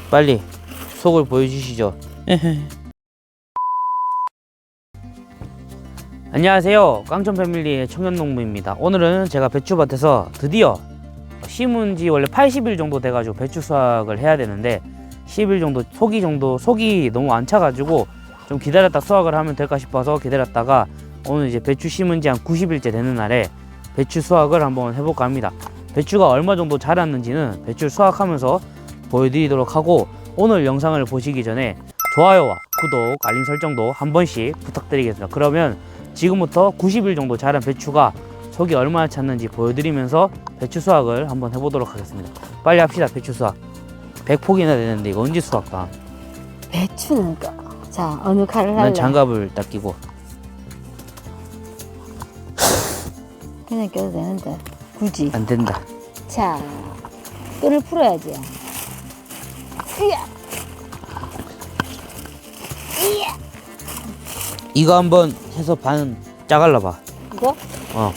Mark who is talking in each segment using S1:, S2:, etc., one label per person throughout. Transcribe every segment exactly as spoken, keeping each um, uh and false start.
S1: 빨리 속을 보여주시죠. 안녕하세요, 깡촌 패밀리의 청년농부입니다. 오늘은 제가 배추밭에서 드디어 심은 지 원래 팔십 일 정도 돼가지고 배추 수확을 해야 되는데 십 일 정도, 속이 정도, 속이 너무 안 차가지고 좀 기다렸다 수확을 하면 될까 싶어서 기다렸다가 오늘 이제 배추 심은 지 한 구십 일째 되는 날에 배추 수확을 한번 해볼까 합니다. 배추가 얼마 정도 자랐는지는 배추 수확하면서 보여드리도록 하고, 오늘 영상을 보시기 전에 좋아요와 구독, 알림 설정도 한 번씩 부탁드리겠습니다. 그러면 지금부터 구십 일 정도 자란 배추가 속이 얼마나 찼는지 보여드리면서 배추 수확을 한번 해보도록 하겠습니다. 빨리 합시다. 배추 수확 백 폭이나 되는데 이거 언제 수확다?
S2: 배추는 까. 자, 어느 칼을 할래?
S1: 난 장갑을 딱 끼고.
S2: 그냥 껴도 되는데 굳이
S1: 안 된다.
S2: 자, 끈을 풀어야지. 이야. 이야.
S1: 이거 한번 해서 반 짜갈라봐.
S2: 이거?
S1: 어.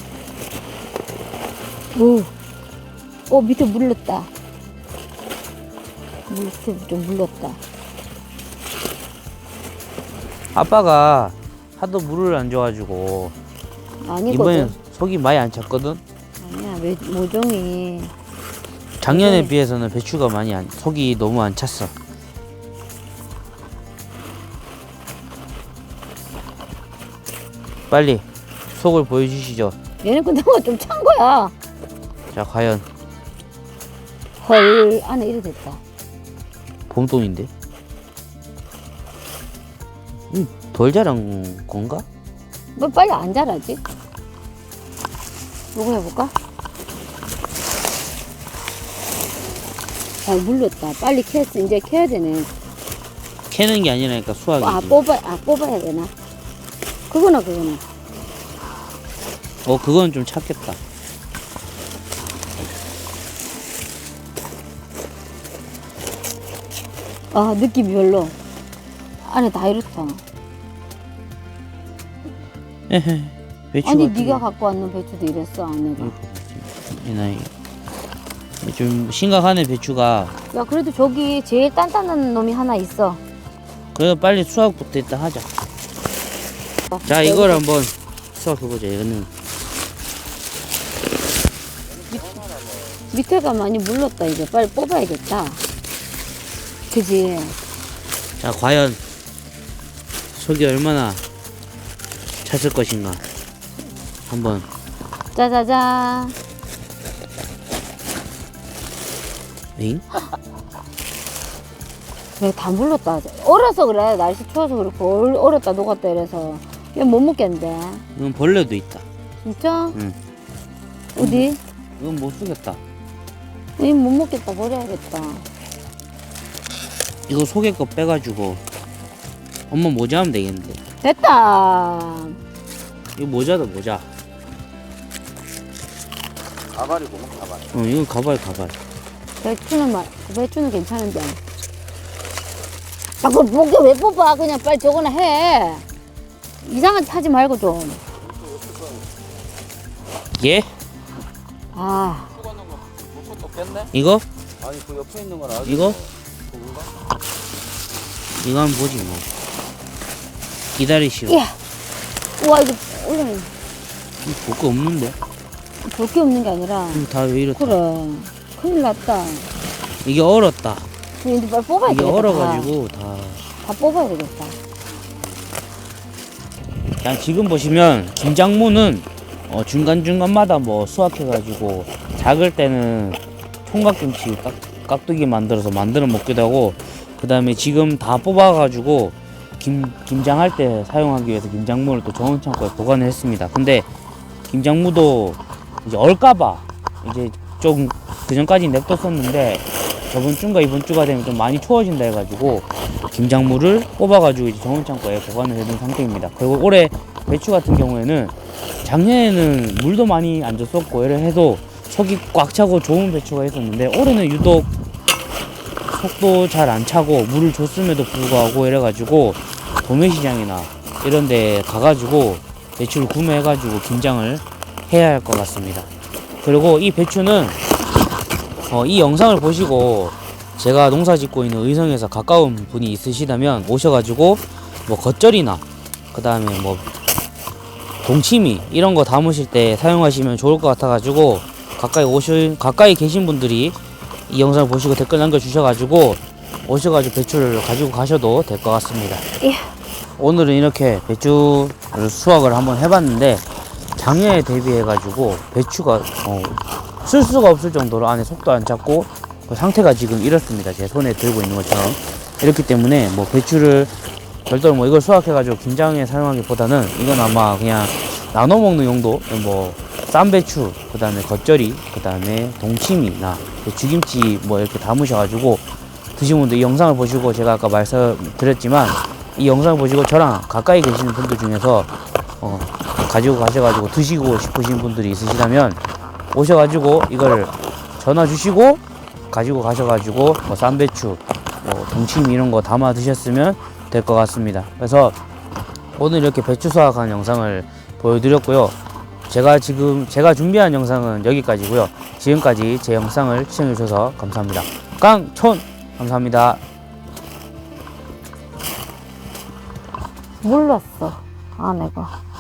S2: 오, 오 밑에 물렀다. 밑에 좀 물렀다.
S1: 아빠가 하도 물을 안 줘가지고
S2: 아니거든.
S1: 이번엔 속이 많이 안 찼거든.
S2: 아니야, 왜, 모종이.
S1: 작년에
S2: 모종이-
S1: 비해서는 배추가 많이 안, 속이 너무 안 찼어. 빨리 속을 보여주시죠.
S2: 얘는 근데 좀 찬 거야.
S1: 자, 과연
S2: 헐, 안에 이래 됐다.
S1: 봄동인데? 음, 덜 자란 건가?
S2: 뭐 빨리 안 자라지? 이거 해볼까? 아, 물렀다. 빨리 캐서 이제 캐야 되네.
S1: 캐는 게 아니라니까 수확이지.
S2: 아, 뽑아, 아, 뽑아야 되나? 그거나, 그거나.
S1: 어, 그건 좀 찼겠다.
S2: 아, 느낌이 별로. 안에 다 이렇다.
S1: 에헤, 배추
S2: 아니,
S1: 같은
S2: 네가
S1: 거.
S2: 갖고 왔는 배추도 이랬어, 안에가.
S1: 이 나이 좀 심각하네 배추가.
S2: 야, 그래도 저기 제일 단단한 놈이 하나 있어.
S1: 그래서 빨리 수확부터 일단 하자. 자, 이걸 한번 수확해보자. 이거는
S2: 밑에가 많이 물렀다, 이제. 빨리 뽑아야겠다. 그지?
S1: 자, 과연 속이 얼마나 찼을 것인가 한번.
S2: 짜자잔.
S1: 엥?
S2: 내가 다 물렀다. 얼어서 그래. 날씨 추워서 그렇고. 얼- 얼었다, 녹았다 이래서. 이건 못 먹겠는데.
S1: 이건 벌레도 있다.
S2: 진짜?
S1: 응.
S2: 어디?
S1: 이건 못 쓰겠다.
S2: 이건 못 먹겠다. 버려야겠다.
S1: 이거 속에 거 빼가지고 엄마 모자 하면 되겠는데.
S2: 됐다.
S1: 이거 모자다, 모자.
S3: 가발이구만, 가발.
S1: 어, 이건 가발, 가발.
S2: 배추는 말, 배추는 괜찮은데. 아, 그걸 목에 왜 뽑아? 그냥 빨리 저거나 해. 이상한 짓 하지 말고 좀.
S1: 예?
S2: 아,
S3: 또 뺐네?
S1: 이거?
S3: 아니, 그 옆에 있는 건 아직.
S1: 이거?
S3: 그건가?
S1: 이거 한번 보지 뭐. 기다리시오.
S2: 이야. 우와, 이거 원래
S1: 볼 거 없는데?
S2: 볼 게 없는 게 아니라.
S1: 다 왜 이렇다.
S2: 그래. 큰일 났다.
S1: 이게 얼었다.
S2: 근데 빨리 뽑아야
S1: 이게
S2: 되겠다.
S1: 얼어가지고 다.
S2: 다, 다 뽑아야 되겠다.
S1: 그냥 지금 보시면 김장무는 어 중간중간마다 뭐 수확해가지고 작을 때는 총각김치 깍, 깍두기 만들어서 만들어 먹기도 하고, 그 다음에 지금 다 뽑아가지고 김, 김장할 때 사용하기 위해서 김장무를 또 정원 창고에 보관을 했습니다. 근데 김장무도 이제 얼까봐 이제 좀 그전까지 냅뒀었는데 저번 주인가 이번 주가 되면 좀 많이 추워진다 해가지고 김장무를 뽑아가지고 이제 정원 창고에 보관을 해둔 상태입니다. 그리고 올해 배추 같은 경우에는 작년에는 물도 많이 안 줬었고 이래 해도 속이 꽉 차고 좋은 배추가 있었는데, 올해는 유독 속도 잘 안 차고 물을 줬음에도 불구하고 이래가지고 도매시장이나 이런 데 가가지고 배추를 구매해가지고 김장을 해야 할 것 같습니다. 그리고 이 배추는 어, 이 영상을 보시고 제가 농사 짓고 있는 의성에서 가까운 분이 있으시다면 오셔가지고 뭐 겉절이나 그 다음에 뭐 동치미 이런 거 담으실 때 사용하시면 좋을 것 같아가지고 가까이 오시 가까이 계신 분들이 이 영상을 보시고 댓글 남겨주셔가지고 오셔가지고 배추를 가지고 가셔도 될 것 같습니다.
S2: 예.
S1: 오늘은 이렇게 배추 수확을 한번 해봤는데 작년에 대비해가지고 배추가 어, 쓸 수가 없을 정도로 안에 속도 안 찼고 그 상태가 지금 이렇습니다. 제 손에 들고 있는 것처럼 이렇기 때문에 뭐 배추를 별도로 뭐 이걸 수확해가지고 김장에 사용하기보다는 이건 아마 그냥 나눠 먹는 용도, 뭐 쌈배추, 그 다음에 겉절이, 그 다음에 동치미나 배추김치 뭐 이렇게 담으셔가지고 드시는 분들 이 영상을 보시고 제가 아까 말씀드렸지만 이 영상을 보시고 저랑 가까이 계시는 분들 중에서 어, 가지고 가셔가지고 드시고 싶으신 분들이 있으시다면 오셔가지고 이걸 전화 주시고 가지고 가셔가지고 뭐 쌈배추, 뭐 동치미 이런 거 담아 드셨으면 될 것 같습니다. 그래서 오늘 이렇게 배추 수확한 영상을 보여드렸고요. 제가 지금 제가 준비한 영상은 여기까지고요. 지금까지 제 영상을 시청해주셔서 감사합니다. 깡촌 감사합니다.
S2: 몰랐어, 아내가.